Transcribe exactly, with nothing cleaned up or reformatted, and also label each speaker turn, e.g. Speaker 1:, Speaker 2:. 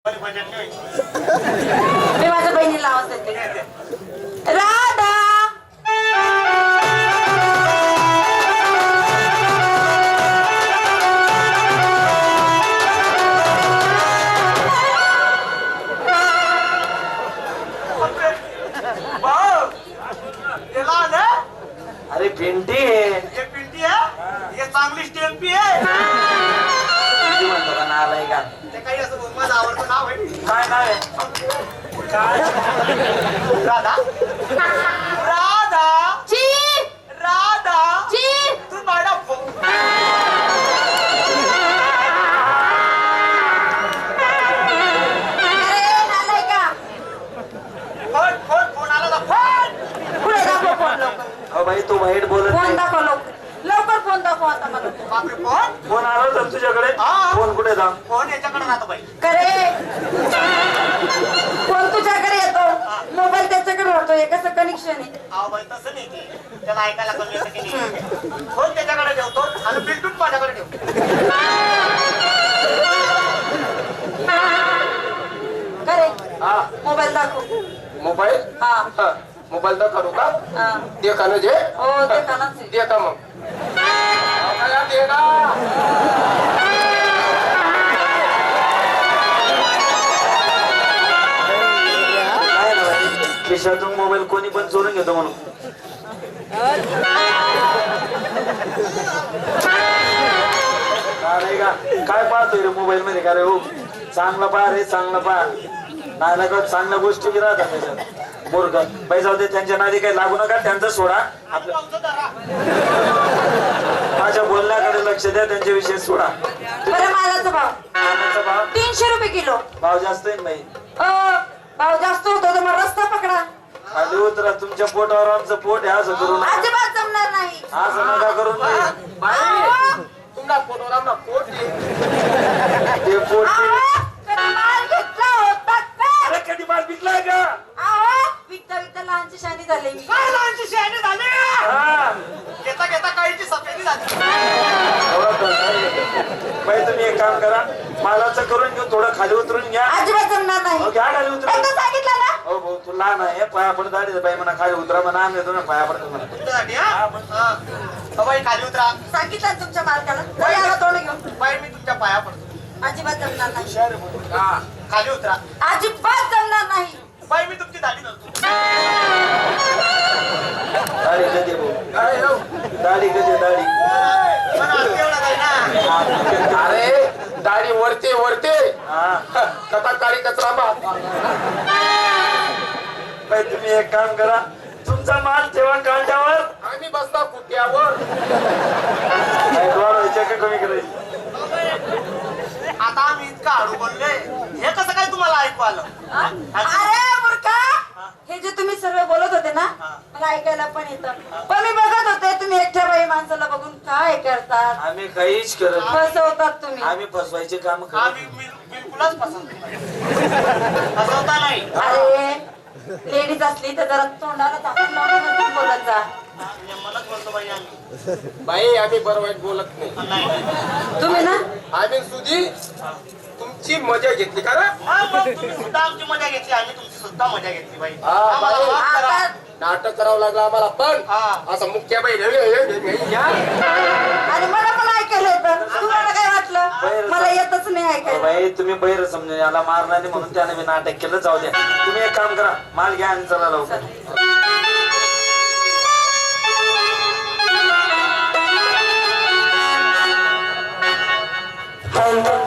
Speaker 1: मी माझ्या बहिणीला आवाज देते. राधा
Speaker 2: अरे पिंटी आहे.
Speaker 3: ये पिंटी आहे, ये चांगली स्टेम्पी आहे.
Speaker 2: पिंटी म्हणतो का नालाय का?
Speaker 3: ते काही असं माझं आवडतं नाव आहे.
Speaker 2: काय नाव आहे? काय
Speaker 3: राधा राधा
Speaker 1: ची
Speaker 3: राधा
Speaker 1: ची
Speaker 3: तू माझा
Speaker 1: अरे नालाय का
Speaker 3: फोन फोन फोन आला ना फोन.
Speaker 1: पुढे दाखव फोन लवकर.
Speaker 2: अहो बाई तू वाईट बोलत
Speaker 1: फोन
Speaker 2: नाही.
Speaker 1: दाखव लवकर लवकर फोन दाखव आता मला.
Speaker 3: बापरे फोन
Speaker 2: फोन आला तर तुझ्याकडे.
Speaker 3: हा.
Speaker 2: फोन कुठे जा?
Speaker 3: फोन याच्याकडे राहतो बाई.
Speaker 1: करे फोन तुझ्याकडे येतो मोबाईल त्याच्याकडे राहतो हे कसं कनेक्शन आहे?
Speaker 3: अहो बाई तसं नाही की त्याला ऐकायला कमी येतं की नाही. फोन त्याच्याकडे ठेवतो आणि बिलटून माझ्याकडे ठेवतो.
Speaker 1: करे
Speaker 4: हा
Speaker 1: मोबाईल दाखव.
Speaker 4: मोबाईल
Speaker 1: हा
Speaker 4: हा मोबाईल तर करू का
Speaker 1: हा
Speaker 4: दे का ना जे
Speaker 1: हो ते कानाच आहे.
Speaker 4: दे का मग आम्हाला दे ना.
Speaker 2: काय ना बाई खिशातून मोबाईल कोणी पण चोरून घेतो म्हणून. काय का काय पाहतोय रे मोबाईल मध्ये? का रे हो चांगला पहा रे चांगला पहा. नाही ना का चांगल्या गोष्टी बी राहतात त्याच्यात. बोरग बाई जाऊ दे त्यांच्या नादी काही लागू नका. त्यांचा सोडा आपल्या माझ्या बोलण्याकडे लक्ष द्या. त्यांच्या विषयी सोडा.
Speaker 1: बरं मालाचा भाव
Speaker 2: कांद्याचा भाव
Speaker 1: तीनशे रुपये किलो.
Speaker 2: भाव जास्त आहे ना बाई.
Speaker 1: अ, भाव जास्त होतो तर मग रस्ता पकडा.
Speaker 2: खाली उतरा. तुमच्या पोटावर आमचं पोट आहे असं करू नका.
Speaker 1: अजिबात जमणार नाही.
Speaker 2: असं नका करून
Speaker 4: बाई
Speaker 1: अहो,
Speaker 4: तुमचा फोटोवर आमचा पोट दे.
Speaker 2: ते पोट
Speaker 1: अहो, कधी माल घेतला होता का?
Speaker 2: अरे कधी माल विकलाय का?
Speaker 1: अहो, विकता विकता लहानची शानी झाली मी.
Speaker 3: काय लहानची शहाणी झाली.
Speaker 2: हा.
Speaker 3: घेता घेता काळीची सफेदी झाली.
Speaker 2: बाई तुम्ही एक काम करा मालाचं करून घेऊ. थोडं खाली उतरून घ्या.
Speaker 1: अजिबात जमणार नाही.
Speaker 2: हो, घ्या खाली उतरून.
Speaker 1: एकदा सांगितलं ना.
Speaker 2: हो भाऊ तू लहान आहे पाया पडत आली बाई म्हणा खाली उतरा म्हणा. आम्ही येतो ना पाया पडतो म्हणा.
Speaker 3: तुमच्यासाठी हा हा. अहो, बाई खाली उतरा.
Speaker 1: सांगितलं ना तुमच्या मालकाला. तरी आला तोंड घेऊन.
Speaker 3: बाई मी तुमच्या पाया पडतो.
Speaker 1: अजिबात जमणार नाही.
Speaker 4: हा
Speaker 3: खाली उतरा.
Speaker 1: अजिबात जमणार नाही.
Speaker 3: बाई मी तुमची दाढी धरतो.
Speaker 2: दाढी कधी भाऊ
Speaker 4: अरे हो.
Speaker 2: दाढी कधी दाढी.
Speaker 3: पण आज एवढा नाही ना.
Speaker 4: अरे दाढी वरते वरते
Speaker 2: हा
Speaker 4: कथा काळी कचरा बा.
Speaker 2: बाई तुम्ही एक काम करा तुमचा माल ठेवा कांद्यावर.
Speaker 4: आम्ही बसता कुट्यावर.
Speaker 2: बाई डोळा व्हायच्या का कमी करायची?
Speaker 3: आता आम्ही इतकं हळू बोललोय हे कसं काय तुम्हाला ऐकू आलं?
Speaker 1: हा? अरे मूर्खा हे जे तुम्ही सर्व बोलत होते ना मला ऐकायला पण येतं. पण मी बघत होते तुम्ही एकट्या बाई माणसाला बघून काय करतात.
Speaker 2: आम्ही काहीच करत नाही.
Speaker 1: फसवतात तुम्ही.
Speaker 2: आम्ही फसवायचे काम करत
Speaker 3: आम्ही बिल- बिलकुलच पसंत नाही. फसवता नाही.
Speaker 1: अरे लेडीज असली तर जरा तोंडाला झाकून लावून बोलत जा.
Speaker 3: म्हणजे मलाच बोलतो बाई आम्ही.
Speaker 4: बाई आम्ही बरं वाईट बोलत नाही.
Speaker 3: नाही, नाही.
Speaker 1: तुम्ही ना
Speaker 4: आम्ही सुधी तुमची मजा घेतली का ना.
Speaker 3: हा, मग तुम्ही सुद्धा आमची मजा घेतली आम्ही तुमची सुद्धा मजा घेतली बाई.
Speaker 4: हा,
Speaker 3: आम्हाला
Speaker 4: बाई.
Speaker 3: माफ करा.
Speaker 1: आता
Speaker 4: नाटक करावं लागलं आम्हाला पण
Speaker 3: हा.
Speaker 4: असं मुख्य बाई
Speaker 1: आणि मला पण ऐकायला येतं. तुम्हाला काय वाटलं मला येतच नाही ऐकायला.
Speaker 2: बाई तुम्ही बैर समजून याला मारणार नाही म्हणून त्याने मी नाटक केलं. जाऊ द्या तुम्ही एक काम करा माल घ्या आणि चला लवकर.
Speaker 1: चल.